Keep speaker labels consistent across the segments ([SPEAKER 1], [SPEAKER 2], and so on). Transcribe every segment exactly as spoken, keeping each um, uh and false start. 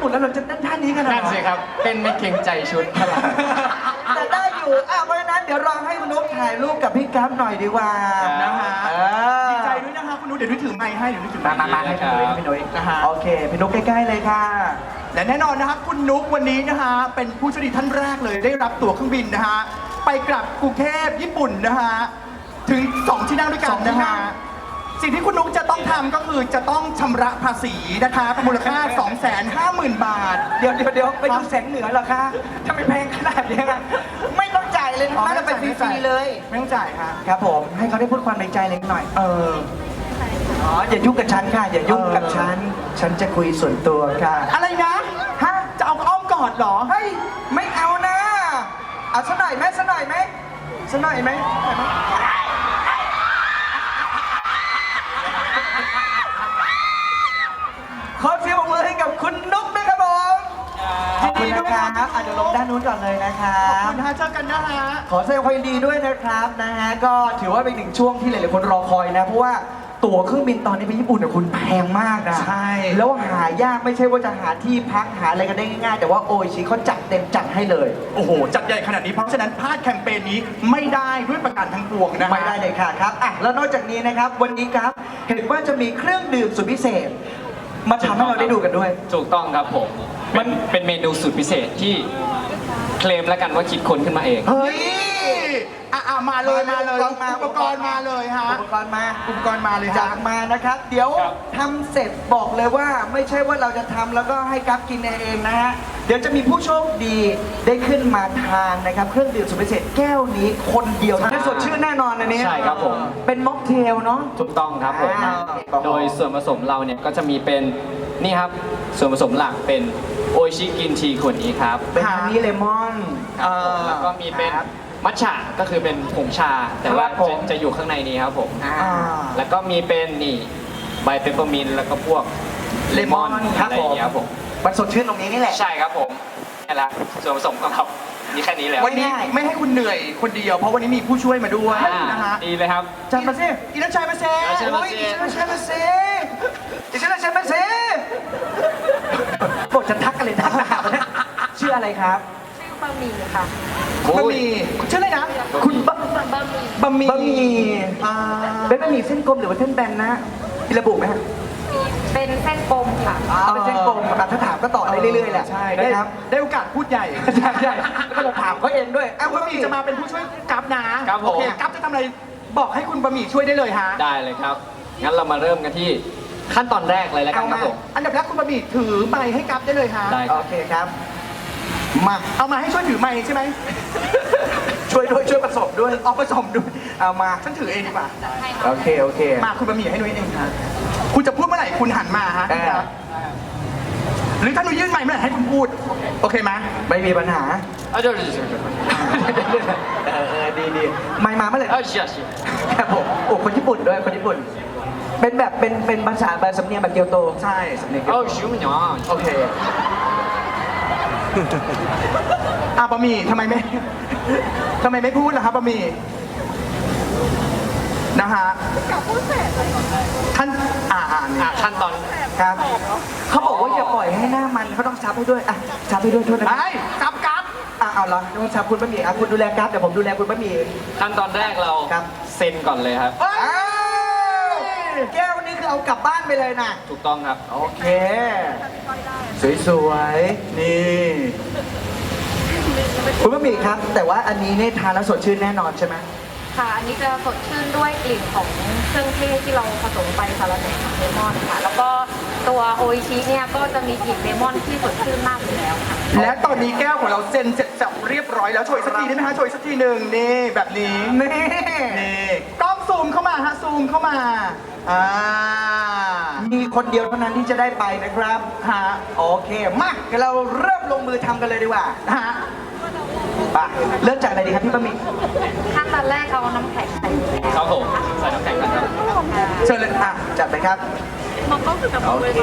[SPEAKER 1] ปุ่นแล้วเราจะเต้นท่านี้กันเหรอ
[SPEAKER 2] นั่นสิครับเต้นไม่เกรงใจชุดเท่าไหร่
[SPEAKER 1] แต่ได้อยู่อ่ะเพราะฉะนั้นเดี๋ยวลองให้คุณนุ๊กถ่ายรูปกับพี่กั๊บหน่อยดีกว่า
[SPEAKER 3] นะฮะ
[SPEAKER 1] เออ
[SPEAKER 3] ดีใจด้วยนะคะคุณนุ้ยเดี๋ยวนุ้ยถือไมค์ให้เดี๋ยวนุ้ยถือไม
[SPEAKER 1] มา
[SPEAKER 3] ค์
[SPEAKER 1] มามาให้พี่นุ้ยให้พี่นุ้ย
[SPEAKER 3] นะฮะ
[SPEAKER 1] โอเคพี่นุ๊กใกล้ๆเลยค่ะ
[SPEAKER 3] และแน่นอนนะครับคุณนุ๊กวันนี้นะฮะเป็นผู้โชคดีท่านแรกเลยได้รับตั๋วเครื่องบินนะฮะไปกลับกรุงเทพญี่ปุ่นนะฮะถึงสองที่นั่งด้วยกั
[SPEAKER 1] ส
[SPEAKER 3] น
[SPEAKER 1] องที่
[SPEAKER 3] นะ
[SPEAKER 1] นั่
[SPEAKER 3] ฮะ
[SPEAKER 1] ง
[SPEAKER 3] สิ่งที่คุณนุ๊กจะต้องทำก็คือจะต้องชำระภาษีนะคะมูลค่า สองแสนห้าหมื่น บาท
[SPEAKER 1] เดี๋ยวเดี๋ยวเดี๋ยวไปดูแสงเหนือเหรอคะทำไมแพงขนาดนี้อะไม่ต้องจ่ายเลยนะ
[SPEAKER 3] อ๋อ
[SPEAKER 1] นั่นเป็นฟรีๆเลย
[SPEAKER 3] ไม่ต้องจ่ายค่ะ
[SPEAKER 1] ครับผมให้เขาได้พูดความในใจเล็กหน่อย เอออ๋ออย่ายุ่งกับฉันค่ะอย่ายุ่งกับฉัน ฉันจะคุยส่วนตัวค่ะ
[SPEAKER 3] อะไรนะ
[SPEAKER 1] ฮะ
[SPEAKER 3] จะเอาอ้อมกอดเหรอ
[SPEAKER 1] เฮ้ยไม่เอานะเอาสักหน่อยไหมสักหน่อยไหมสักหน่อยไหมขอเสียงปรบมือให้กับคุณนุ๊กด้วยครับผมขอบคุณนะครับอ่ะเดี๋ยวลงด้านนู้นก่อนเลยนะครั
[SPEAKER 3] ขอบบ คุณฮะเจอกันนะฮะ
[SPEAKER 1] ขอแสดงความยินดีด้วยนะครับนะฮะก็ถือว่าเป็นหนึ่งช่วงที่หลายๆคนรอคอยนะเพราะว่าตั๋วเครื่องบินตอนนี้ไปญี่ปุ่นเนี่ยคุณแพงมากนะ
[SPEAKER 3] ใช่
[SPEAKER 1] แล้วหายากไม่ใช่ว่าจะหาที่พักหาอะไรกันได้ง่ายๆแต่ว่าโออิชิเขาจัดเต็มจัดให้เลย
[SPEAKER 3] โอ้โห จัดใหญ่ขนาดนี้เพราะฉะนั้นพลาดแคมเปญนี้ไม่ได้ด้วยประการทั้งปวงนะฮะ
[SPEAKER 1] ไม่ได้เลยค่ะครับอ่ะแล้วนอกจากนี้นะครับวันนี้ครับเห็นว่าจะมีเครื่องดื่มสุดพิเศษ มาทำให้เราได้ดูกันด้วย
[SPEAKER 2] ถูกต้องครับผมมันเป็นเมนูสูตรพิเศษที่เคลมแล้วกันว่าคิดค้นขึ้นมาเอง
[SPEAKER 1] เฮ้ย
[SPEAKER 3] อ่ะอ่ะมาเลยมาเลย
[SPEAKER 1] อุปกรณ์มา
[SPEAKER 3] อุปกรณ์มาเลยฮะ
[SPEAKER 1] อุปกรณ์มา
[SPEAKER 3] อุปกรณ์มาเลย
[SPEAKER 1] จา
[SPEAKER 3] ฮะ
[SPEAKER 1] กมานะครับ เดี๋ยว
[SPEAKER 2] ครับ
[SPEAKER 1] ทำเสร็จบอกเลยว่าไม่ใช่ว่าเราจะทำแล้วก็ให้กัฟกินเองนะฮะเดี๋ยวจะมีผู้โชคดีได้ขึ้นมาทานนะครับเครื่องดื่มสุดพิเศษแก้วนี้คนเดียวนะสดชื่นแน่นอนอันนี้
[SPEAKER 2] ใช่ครับผม
[SPEAKER 1] เป็นม็อกเทลเนาะ
[SPEAKER 2] ถูกต้องครับผม
[SPEAKER 1] อ่า
[SPEAKER 2] โดยส่วนผสมเราเนี่ยก็จะมีเป็นนี่ครับส่วนผสมหลักเป็นโออิชิกินทีขวดนี้ครับ
[SPEAKER 1] เป็นฮันนี่เลมอน
[SPEAKER 2] ครับผมแล้วก็มีเป็น
[SPEAKER 1] ครับ
[SPEAKER 2] มัทฉะก็คือเป็นผงชา แต่ว่า
[SPEAKER 1] ครับผม
[SPEAKER 2] จะจะอยู่ข้างในนี้ครับผม
[SPEAKER 1] อ่า
[SPEAKER 2] แล้วก็มีเป็นนี่ใบเปปเปอร์มินต์แล้วก็พวกเลมอน
[SPEAKER 1] เลมอนครับ
[SPEAKER 2] อะไรอย่างเงี้ยครับผม
[SPEAKER 1] มันสดชื่นตรงนี้นี่แหละ
[SPEAKER 2] ใช่ครับผมนี่แหละส่วนผสมของเรามีแค่นี้แล้ว
[SPEAKER 3] วันนี้
[SPEAKER 1] ง่ายๆ
[SPEAKER 3] ไม่ให้คุณเหนื่อยคนเดียว เพราะวันนี้มีผู้ช่วยมาด้วย
[SPEAKER 2] อ่า
[SPEAKER 3] นะฮะ
[SPEAKER 2] ดีเลยครับ
[SPEAKER 1] จัดมาสิ
[SPEAKER 3] อิรัชชัยมาเซ่
[SPEAKER 2] อิรัชชัยมา
[SPEAKER 3] โอ้ย
[SPEAKER 2] เซ่
[SPEAKER 3] อิรัชชัยมาเซ่
[SPEAKER 1] ดิฉันจะมาสิบอกจะทักอะไรทักหนาเนี่ยชื่ออะไรครับ
[SPEAKER 4] ชื่อบะหมี่ค่ะ
[SPEAKER 3] บะหมี่ชื่ออะไรนะ
[SPEAKER 1] คุณบะ
[SPEAKER 4] บะหมี่
[SPEAKER 3] บะหมี่
[SPEAKER 1] บะหมี่
[SPEAKER 3] อ่า
[SPEAKER 1] เป็นบะหมี่เส้นกลมหรือว่าเส้นแบนนะมีระบุไหมฮะ
[SPEAKER 4] เป็นเส้นกลมค่ะ
[SPEAKER 1] อ๋อเป็นเส้นกลมอ่ะถ้าถามก็ต่อได้เรื่อยๆแหละ
[SPEAKER 3] ใช่ได้
[SPEAKER 1] นะครับ
[SPEAKER 3] ได้โอกาสพูดใหญ่
[SPEAKER 1] ใช่ใช่แล้วก็จะถามเขาเองด้วย
[SPEAKER 3] อ่ะ
[SPEAKER 1] อ่ะ
[SPEAKER 3] บะหมี่จะมาเป็นผู้ช่วยกัฟนะครับ
[SPEAKER 2] ผม
[SPEAKER 3] โอเคกัฟจะทำอะไรบอกให้คุณบะหมี่ช่วยได้เลยฮะ
[SPEAKER 2] ได้เลยครับ งั้นเรามาเริ่มกันที่ขั้นตอนแรกเลยแล้วกั
[SPEAKER 3] เอา
[SPEAKER 2] นครั
[SPEAKER 3] มา
[SPEAKER 2] บผม
[SPEAKER 3] อันดับแรกคุณบะหมี่ถือไมค์ให้กัฟได้เลยฮะ
[SPEAKER 2] ได้
[SPEAKER 1] โอเคครับ มา
[SPEAKER 3] เอามาให้ช่วยถือไมค์ใช่ไหม
[SPEAKER 1] ช่วยด้วยช่วยผสมด้วย
[SPEAKER 3] เอาผสมด้วย
[SPEAKER 1] เอามา
[SPEAKER 3] ฉันถือเองดีกว่า
[SPEAKER 1] โอเคโอเค
[SPEAKER 3] มาคุณบะหมี่ให้นุ้ยเองครับคุณจะพูดเมื่อไหร่คุณหันมาฮะ
[SPEAKER 1] เออ
[SPEAKER 3] หรือถ้านุ้ยยื่นไมค์เมื่อไหร่ให้คุณพูด โอเคไหม
[SPEAKER 1] ไม่มีปัญหา
[SPEAKER 2] เอาเดี๋ยวเดี๋ยวเดี๋ยวเดี๋ยว
[SPEAKER 1] เออเออดีดีไม่มาเมื่อไหร่
[SPEAKER 2] เอาเชียร์เชียร์
[SPEAKER 1] ครับผมโอ้คนญี่ปุ่นด้วยคนญี่ปุ่น เป็นแบบเป็นเป็นภาษาแบบสำเนียงแบบเกียวโต
[SPEAKER 3] ใช่สำเนียง
[SPEAKER 2] เอาชิวมันเนาะ
[SPEAKER 3] โอเคอ่ะบะหมี่ทำไมไม่ทำไมไม่พูดล่ะครับบะหมี่นะฮะขั้นอ่าอ่าน
[SPEAKER 2] อ่ะขั้นตอน
[SPEAKER 1] ครับเขาบอกว่าอย่าปล่อยให้หน้ามันเขาต้องซับให้ด้วยอ่ะซับให้ด้วยโทษนะ
[SPEAKER 3] ไอ้กับกับ
[SPEAKER 1] อ่ะเอาละต้องซับคุณบะหมี่อ่ะคุณดูแลกราฟเดี๋ยวผมดูแลคุณบะหมี่
[SPEAKER 2] ขั้นตอนแรกเรา
[SPEAKER 1] ครับ
[SPEAKER 2] เซ็นก่อนเลยครับ
[SPEAKER 3] เอ้ย
[SPEAKER 1] อ้าวแก้วนี้คือเอากลับบ้านไปเลยนะ
[SPEAKER 2] ถูกต้องครับ
[SPEAKER 1] โอเค สวยๆ นี่ คุณบะหมี่ครับ แต่ว่าอันนี้เนี่ยทานแล้วสดชื่นแน่นอนใช่ไหม
[SPEAKER 4] ค่ะ อันนี้จะสดชื่นด้วยกลิ่นของเครื่องเทศที่เราผสมไปสาระแหน่กับเลมอนค่ะ แล้วก็ตัวโออิชิเนี่ยก็จะมีกลิ่นเลมอนที่สดชื่นมากอยู่แล้วค่ะ
[SPEAKER 3] และตอนนี้แก้วของเราเซ็นเสร็จสับเรียบร้อยแล้วโชยสักทีได้ไหมฮะโชยสักทีหนึ่งนี่แบบนี้
[SPEAKER 1] นี่
[SPEAKER 3] นี่กล้องซูมเข้ามาฮะซูมเข้ามาอ่า
[SPEAKER 1] มีคนเดียวเท่านั้นที่จะได้ไปนะครับ
[SPEAKER 3] ฮะ
[SPEAKER 1] โอเค มาเดี๋ยวเราเริ่มลงมือทำกันเลยดีกว่า
[SPEAKER 3] ฮะ
[SPEAKER 1] ไปเริ่มจากอะไรดีครับพี่บะหมี่
[SPEAKER 4] ขั้นตอนแรกเอาน้ำแข็งใส่อยู่แล้ว
[SPEAKER 2] ครับผม ใส่น้ำแข็งกันครับ
[SPEAKER 1] เชิญเลยอ่ะจัดไปครับ
[SPEAKER 4] มันก็คือกับ
[SPEAKER 1] โอเค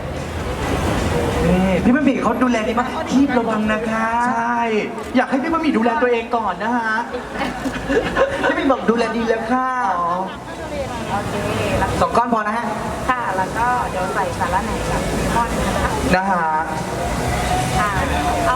[SPEAKER 1] นี่พี่บะหมี่เขาดูแลดีมากทีบระวังนะคะ
[SPEAKER 3] ใช่ อยากให้พี่บะหมี่ดูแลตัวเองก่อนนะฮะ
[SPEAKER 1] พี่บะหมี่บอกดูแลดีแล้วค่ะ
[SPEAKER 4] โอเค แล้ว
[SPEAKER 1] สองก้อนพอนะฮะ
[SPEAKER 4] ค่ะ แล้วก็เดี๋ยวใส่สาระแหน่กับเลมอนนะคะ
[SPEAKER 3] นะฮะ
[SPEAKER 4] ค่ะเอา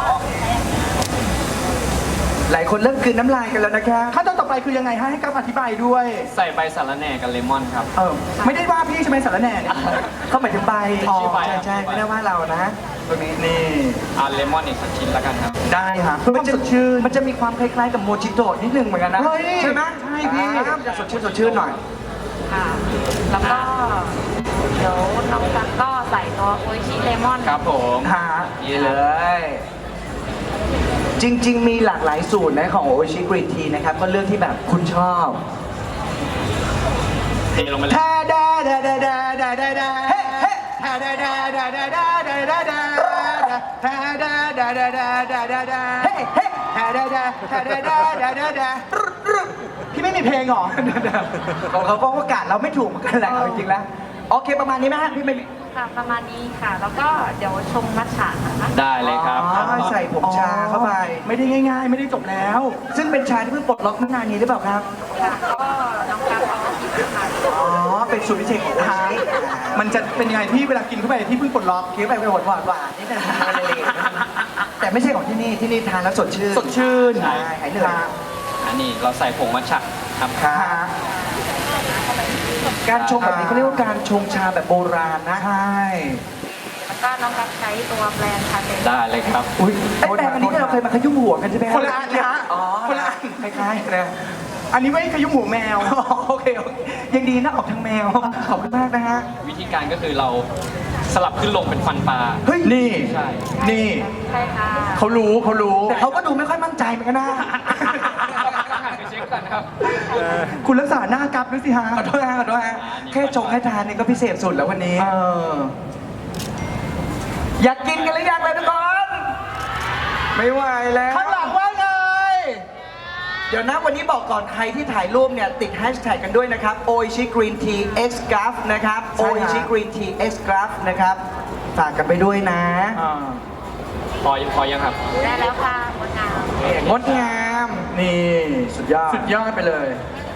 [SPEAKER 1] หลายคนเริ่มกลืนน้ำลายกันแล้วนะครับ
[SPEAKER 3] ขั้นตอนต่อไปคือยังไงฮะให้กับอธิบายด้วย
[SPEAKER 2] ใส่ใบสาระแหน่กับเลมอนครับ
[SPEAKER 3] เออไม่ได้ว่าพี่ใช่ไหมสารแหน่เนี่ย
[SPEAKER 1] เขาหมายถึงใบ
[SPEAKER 3] อ๋อ
[SPEAKER 1] ใช่ใช่ไม่ได้ว่าเรานะตรงนี้นี่
[SPEAKER 2] อ่าเลมอนอีกสักชิ้นแล้วกันครับ
[SPEAKER 3] ได้ฮะเพื่อความสดชื่น
[SPEAKER 1] มันจะมีความคล้ายๆกับโมจิโตะนิดนึงเหมือนกันนะ
[SPEAKER 3] เฮ้ย
[SPEAKER 1] ใช่ไหม
[SPEAKER 3] ใช่พี่
[SPEAKER 1] อ่ามันจะสดชื่นสดชื่นหน่อย
[SPEAKER 4] ค่ะ แล้วก็เดี๋ยวน้องกันก็ใส่ตัวโออิชิเลมอน
[SPEAKER 2] ครับผม
[SPEAKER 3] ฮะ
[SPEAKER 1] นี่เลย จริง ๆ มีหลากหลายสูตรนะของโอชิกรีนทีนะครับ ก็เลือกที่แบบคุณชอบ
[SPEAKER 2] เทลงไปเลย
[SPEAKER 3] ทาดาดาดาดาดาดาดาเฮ้เฮ้ทาดาดาดาดาดาดาดาดาทาดาดาดาดาดาดาดาเฮ้เฮ้ทาดาดาทาดาดาดาดาดาพี่ไม่มีเพลงเหรอ
[SPEAKER 1] ของเขาก็ประกาศเราไม่ถูกเหมือนกันแหละเอาจริงๆแล้วโอเคประมาณนี้ไหมฮะพี่ไม่มี
[SPEAKER 4] ค่ะประมาณนี้ค่ะ แล้วก็เดี๋ยวชงมัทฉะนะคะ
[SPEAKER 2] ได้เลยครับ
[SPEAKER 1] อ๋อใส่ผงชาเข้าไป
[SPEAKER 3] ไม่ได้ง่ายๆ ไม่ได้จบแล้ว
[SPEAKER 1] ซึ่งเป็นชาที่เพิ่งปลดล็อกเมื่อนานนี้หรือเปล่าครับ
[SPEAKER 4] ค่ะก็น้องกันเอามากินค่ะ
[SPEAKER 1] อ๋อ เป็นสูตรพิเศษของโอชิ
[SPEAKER 3] มันจะเป็นยังไงที่เวลากินเข้าไปที่เพิ่งปลดล็อก
[SPEAKER 1] เคี้ยวไปเป็นหวานหวานหวานๆนิดนึงอะไรเลยแต่ไม่ใช่ของที่นี่ ที่นี่ทานแล้วสดชื่น
[SPEAKER 3] สดชื่น
[SPEAKER 1] ใช่หายเหนื่อย
[SPEAKER 2] อันนี้เราใส่ผงมัทฉะครับ
[SPEAKER 1] ครับการชงแบบนี้เขาเรียกว่าการชงชาแบบโบราณนะ
[SPEAKER 3] ใช่
[SPEAKER 4] แล้วก็น้องกันใช้ตัวแบรนด์คาเฟ่
[SPEAKER 2] ได้เลยครับ
[SPEAKER 1] อุ้ยไอ้แปรงอันนี้ที่เราเคยมาขยุ่มหัวกันใช่ไหม
[SPEAKER 3] คนละอันนะ
[SPEAKER 1] อ๋อ
[SPEAKER 3] คนละอัน
[SPEAKER 1] คล้ายๆนะ
[SPEAKER 3] อันนี้ไม่ขยุ้มหัวแมว
[SPEAKER 1] โอเคโอเคยังดีนะออกทางแมว ขอบคุณมากนะฮะ
[SPEAKER 2] วิธีการก็คือเราสลับขึ้นลงเป็นฟันปลา
[SPEAKER 1] เฮ้ย
[SPEAKER 3] นี่
[SPEAKER 2] ใช่
[SPEAKER 3] นี่
[SPEAKER 4] ใช่ค่ะ
[SPEAKER 3] เขารู้เขารู้
[SPEAKER 1] แต่เขาก็ดูไม่ค่อยมั่นใจเหมือนกันนะ
[SPEAKER 2] หันไปเช็คกันครับ
[SPEAKER 3] คุณรักษาหน้ากับด้วยสิฮะ
[SPEAKER 1] ขอโทษฮะขอโทษฮะแค่ชงให้ทานนี่ก็พิเศษสุดแล้ววันนี้
[SPEAKER 3] เออ
[SPEAKER 1] อยากกินกันหรือยังเลยทุกคน ไม่ไหวแล้ว
[SPEAKER 3] ข้างหลังว่าไง
[SPEAKER 1] เดี๋ยวนะวันนี้บอกก่อนใครที่ถ่ายรูปเนี่ย ติดแฮชแท็กกันด้วยนะครับ Oishi Green Tea X Graph นะครับ
[SPEAKER 3] ใช่ฮะ
[SPEAKER 1] Oishi Green Tea X Graph นะครับฝากกันไปด้วยนะ
[SPEAKER 3] อ่า
[SPEAKER 2] พอพอยังครับ
[SPEAKER 4] ได้แล้วค่ะงดงาม
[SPEAKER 1] งดงาม
[SPEAKER 3] นี่
[SPEAKER 1] สุดยอด
[SPEAKER 3] สุดยอดไปเลย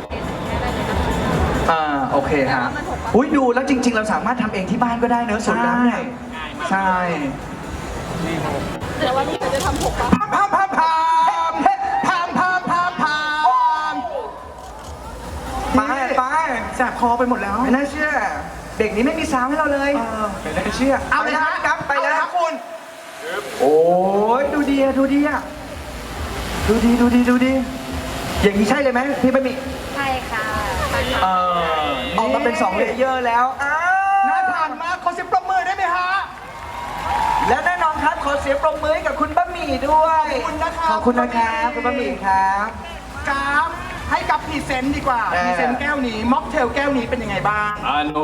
[SPEAKER 3] อ่าโอเคฮะ
[SPEAKER 1] อุ้ยดูแล้วจริง ๆ เราสามารถทำเองที่บ้านก็ได้เนอะสูตรลับเนี่ย
[SPEAKER 3] ใช่
[SPEAKER 4] เดี๋ยววันนี้เราจะทำหกปะ
[SPEAKER 3] พามพามพามพามพามพามพาม
[SPEAKER 1] ไปไป
[SPEAKER 3] แสบคอไปหมดแล้ว
[SPEAKER 1] ไม่น่าเชื่อ เด็กนี้ไม่มีซาวให้เราเลย
[SPEAKER 3] เออ
[SPEAKER 1] ไม่น่าเชื่อ
[SPEAKER 3] เอาเลยฮะ
[SPEAKER 1] ครับไปแล้ว
[SPEAKER 3] เอาเลยฮะคุณ
[SPEAKER 1] โอ้ยดูดีอะดูดีอะดูดีดูดีดูดี อย่างนี้ใช่เลยไหมพี่บะหมี่
[SPEAKER 4] ใช่ค่ะ
[SPEAKER 3] เออ
[SPEAKER 1] ออกมาเป็นสองเลเยอร์แล้วอ้าว
[SPEAKER 3] น่าทานมากขอเสียงปรบมือได้ไหมฮะ
[SPEAKER 1] และแน่นอนครับขอเสียงปรบมือให้กับคุณบะหมี่ด้วย
[SPEAKER 3] ขอบคุณนะครับ
[SPEAKER 1] ขอบคุณนะครับคุณบะหมี่ครับ
[SPEAKER 3] กราฟให้กับพรีเซนต์ดีกว่า
[SPEAKER 1] เออ
[SPEAKER 3] พรีเซนต์แก้วนี้ม็อกเทลแก้วนี้เป็นยังไงบ้าง
[SPEAKER 2] อาโน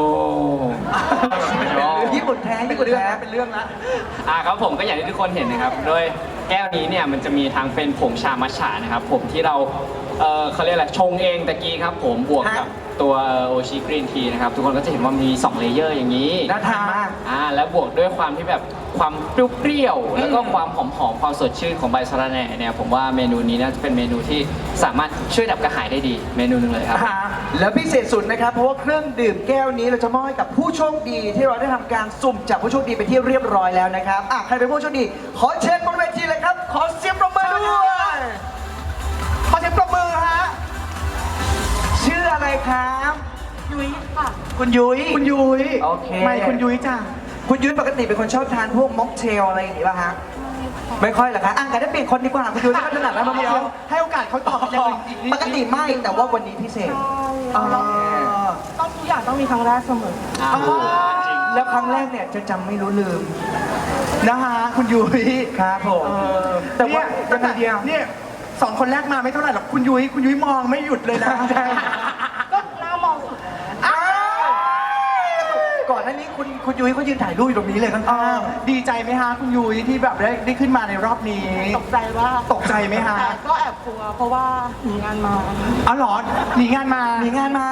[SPEAKER 1] ญี่ปุ่นแท้ญี่ปุ่นแท้
[SPEAKER 3] เป็นเรื่องละ
[SPEAKER 2] อ่าครับผมก็อย่างที่ทุกคนเห็นนะครับ โดยแก้วนี้เนี่ยมันจะมีทางเป็นผงชามัทฉะนะครับ ผมที่เราเออเขาเรียกอะไรชงเองตะกี้ครับผมบวกกับตัวโอชิกรีนทีนะครับ ทุกคนก็จะเห็นว่ามีสองเลเยอร์อย่างนี้
[SPEAKER 1] น่าทานมาก
[SPEAKER 2] อ่าแล้วบวกด้วยความที่แบบความเปรี้ยวๆแล้วก็ความหอมๆความสดชื่นของใบสะระแหน่เนี่ยผมว่าเมนูนี้น่าจะเป็นเมนูที่สามารถช่วยดับกระหายได้ดีเมนูหนึ่งเลยครับ
[SPEAKER 1] แล้วพิเศษสุดนะครับ เพราะว่าเครื่องดื่มแก้วนี้เราจะมอบให้กับผู้โชคดีที่เราได้ทำการสุ่มจับผู้โชคดีไปที่เรียบร้อยแล้วนะครับอ่ะใครเป็นผู้โชคดี ขอเชิญบนเวทีเลยครับ ขอเสียงปรบมือด้วย
[SPEAKER 3] ขอเสียงปรบมือฮะ
[SPEAKER 1] ชื่ออะไรครับ
[SPEAKER 4] ยุ้ยค่ะ
[SPEAKER 1] คุณยุ้ย
[SPEAKER 3] คุณยุ้ย
[SPEAKER 1] โอเค
[SPEAKER 3] ไม่คุณยุ้ยจ้ะ
[SPEAKER 1] คุณยุ้ยปกติเป็นคนชอบทานพวกม็อกเทลอะไรอย่างนี้ป่ะฮะไม่ค่อยเหรอคะอ่ะงั้นได้เปลี่ยนคนดีกว่าคุณยุ้ยไม่ค่อยถนัดแล้วม็อก
[SPEAKER 3] เดี๋
[SPEAKER 1] เท
[SPEAKER 3] ยว
[SPEAKER 1] ล
[SPEAKER 3] ให้โอกาสเขาตอบอย่างอื่นอีกนิด
[SPEAKER 1] ปกติไม่แต่ว่าวันนี้พิเศษ
[SPEAKER 3] อ๋อ
[SPEAKER 4] ต้องทุกอย่างต้องมีครั้งแรกเสมอ
[SPEAKER 2] อ่า
[SPEAKER 1] แล้วครั้งแรกเนี่ยจะจำไม่รู้ลืม
[SPEAKER 3] นะฮะคุณยุ้ย
[SPEAKER 1] ครับผม
[SPEAKER 3] เออ
[SPEAKER 1] แต่ว่า
[SPEAKER 3] เนี่ย
[SPEAKER 1] ยังไงเดียว
[SPEAKER 3] เนี่ยสองคนแรกมาไม่เท่าไหร่หรอกคุณยุ้ยคุณยุ้ยมองไม่หยุดเลยนะ
[SPEAKER 1] ใช่
[SPEAKER 4] ก็หน้ามองสุด
[SPEAKER 1] อ้าวก่อนหน้านี้คุณคุณยุ้ยเขายืนถ่ายรูปอยู่ตรงนี้เลยข้
[SPEAKER 3] เอ
[SPEAKER 1] าง
[SPEAKER 3] อดีใจไหมฮะคุณยุ้ยที่แบบได้ได้ขึ้นมาในรอบนี้
[SPEAKER 5] ตกใจว่า
[SPEAKER 3] ตกใจไหมฮะ
[SPEAKER 5] แต่ก็แอบกลัวเพราะว่าหนีงานมา
[SPEAKER 3] อ๋อเหรอหนีงานมา
[SPEAKER 1] ๆหนีงานมา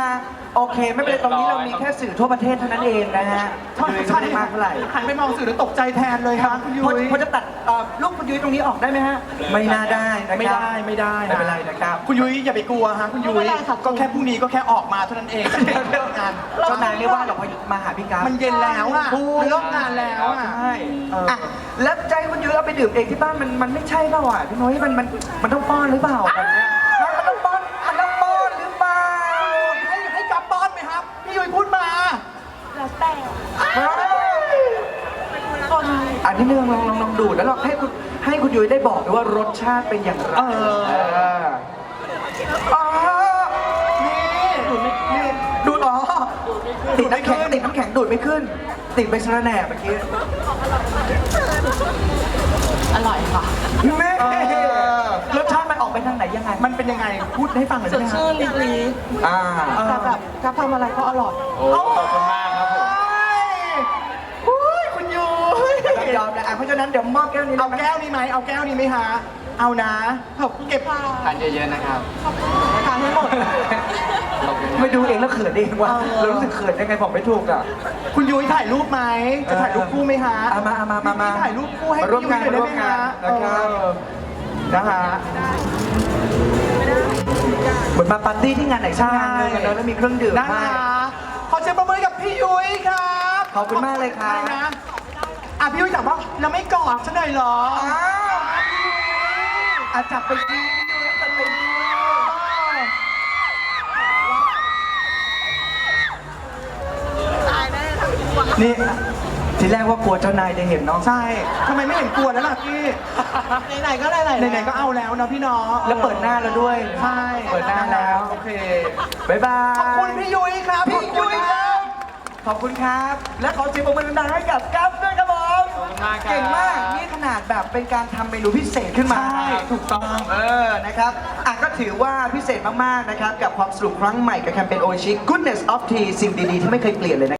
[SPEAKER 1] โอเค ไม่เป็นไรตรงนี้เรามีแค่สื่อทั่วประเทศเท่านั้นเองนะฮะ
[SPEAKER 3] ใช่
[SPEAKER 1] ยุ้ย
[SPEAKER 3] ใช่
[SPEAKER 1] ไม่ได้มากเท่าไหร่
[SPEAKER 3] หันไปมองสื่อแล้วตกใจแทนเลยครับคุณยุ้
[SPEAKER 1] พอย พอจะตัดเอ่อลูกคุณยุ้ยตรงนี้ออกได้ไหมฮะ ไม่น่าได้นะครับ
[SPEAKER 3] ไม่ได้ไม่ได้
[SPEAKER 1] ไม่เป็นไรนะครับ
[SPEAKER 3] คุณยุ้ยอย่าไปกลัวฮะคุณยุ้
[SPEAKER 4] ไม่
[SPEAKER 3] ย
[SPEAKER 4] เป็นไรค่ะ
[SPEAKER 3] ก็แค่พรุ่งนี้ก็แค่ออกมาเท่านั้นเองเลิกงาน
[SPEAKER 1] เจ้านายไม่ว่าหรอกพอมาหาพี่กราฟ
[SPEAKER 3] มันเย็นแล้วอ่ะ
[SPEAKER 1] ถูก
[SPEAKER 3] เลิกงานแล้วอ่ะ
[SPEAKER 1] ใช่
[SPEAKER 3] เออ
[SPEAKER 1] อ่ะแล้วใจคุณยุ้ยเอาไปดื่มเองที่บ้านมันมันไม่ใช่เปล่าอ่ะพี่น้อยมันมันมันต้องป้อนหรือเปล่าแบบเนี้ยมันต้องป้อนมันต้องป้อนหรือเปล่า
[SPEAKER 3] ให้ให้กลับบ้านไหมครับพี่ยุ้ยพูดมา
[SPEAKER 4] แล้วแต่ คน
[SPEAKER 1] อันนี้เรื่องลองลองลองดูดแล้วลองให้คุณให้คุณยุ้ยได้บอกด้วยว่ารสชาติเป็นอย่างไร
[SPEAKER 3] เออ
[SPEAKER 1] เอออ๋อ
[SPEAKER 3] นี่
[SPEAKER 1] นี่ดูดอ๋อติดน้ำแข็งติดน้ำแข็งดูดไม่ขึ้น ติดไปสระแหน่เมื่อกี้
[SPEAKER 4] อร่อยค่ะ
[SPEAKER 1] แม่
[SPEAKER 3] เออ
[SPEAKER 1] รสชาติมันออกไปทางไหนยังไง
[SPEAKER 3] มันเป็นยังไงพูดให้ฟังหน่อย
[SPEAKER 4] ส
[SPEAKER 3] ได้
[SPEAKER 4] ด
[SPEAKER 3] ไหมครั
[SPEAKER 4] ชื่
[SPEAKER 3] บ
[SPEAKER 4] นลิ้นลิ้น
[SPEAKER 1] อ่า
[SPEAKER 4] แต่แบบจะทำอะไรก็อร่อย
[SPEAKER 2] โอ้ขอบคุณมากครับผม
[SPEAKER 3] โอ้ยคุณยุ้ย
[SPEAKER 1] ต้องยอมนะอ่ะเพราะฉะนั้นเดี๋ยวมอบแก้วนี้
[SPEAKER 3] เอา
[SPEAKER 1] เลยนะ
[SPEAKER 3] แก้วนี้ไหมเอาแก้วนี้ไหมฮะเอานะเก็บ
[SPEAKER 2] ทานเยอะๆนะครับ
[SPEAKER 3] ทานให้หมด
[SPEAKER 2] ขอบคุณ
[SPEAKER 1] ไม่ดูเองแล้วเขินเองว่ะ
[SPEAKER 3] เออ
[SPEAKER 1] เรารู้สึกเขินยังไงบอกไม่ถูกอ่ะ
[SPEAKER 3] คุณยุ้ยถ่ายรูปไหมจะถ่ายรูปคู่ไหมฮะ
[SPEAKER 1] เอามาเอามามามา
[SPEAKER 3] ถ่ายรูปคู่ให้
[SPEAKER 1] มาร่วม
[SPEAKER 3] พี่ยุ้
[SPEAKER 1] งาย น
[SPEAKER 3] หน่อย
[SPEAKER 1] มา
[SPEAKER 3] ได้
[SPEAKER 1] ร่ว
[SPEAKER 3] ไห
[SPEAKER 1] ม
[SPEAKER 3] ม
[SPEAKER 1] งา
[SPEAKER 3] ฮะ
[SPEAKER 1] นนะครับ
[SPEAKER 3] นะฮะ
[SPEAKER 1] เหมือนมาปาร์ตี้ที่งานไหนสักงานหนึงอะเนอะแล้วมีเครื่องดื่ม
[SPEAKER 3] นะ
[SPEAKER 1] ให้
[SPEAKER 3] ฮะขอเสียงประมือกับพี่ยุ้ยครับ
[SPEAKER 1] ขอบคุณมากเลยครับ
[SPEAKER 3] อะไรนะอ่ะพี่ยุ้ยถามว่าเราไม่กอดฉันหน่อยเหรอ
[SPEAKER 1] อ้าวอ่ะจับไปดีพี่ยุ้ยจับไปดีนี่ทีแรกว่ากลัวเจ้านายจะเห็นเนาะ
[SPEAKER 3] ใช่ทำไมไม่เห็นกลัวแล้วล่ะพี่
[SPEAKER 4] ไหนๆก็ไหนๆ
[SPEAKER 3] ไหนๆก็เอาแล้วเนาะพี่เนาะ
[SPEAKER 1] แล้วเปิดหน้าแล้วด้วย
[SPEAKER 3] ใช่
[SPEAKER 1] เปิดหน้าแล้ว
[SPEAKER 3] โอเค
[SPEAKER 1] บ๊ายบาย
[SPEAKER 3] ขอบคุณพี่ยุ้ยครับ
[SPEAKER 1] พี่ยุ้ยครับขอบคุณครับ และขอเสียงปรบมือดังๆให้กับกัฟด้วยครับผม
[SPEAKER 2] ขอบคุณมากครับ
[SPEAKER 1] เก่งมาก นี่ขนาดแบบเป็นการทำเมนูพิเศษขึ้นมา
[SPEAKER 3] ใช่ถูกต้อง
[SPEAKER 1] เออ นะครับ อ่ะก็ถือว่าพิเศษมากๆ นะครับ กับความสนุกครั้งใหม่กับแคมเปญโอชิ Goodness of Tea สิ่งดีๆ ที่ไม่เคยเปลี่ยนเลยนะ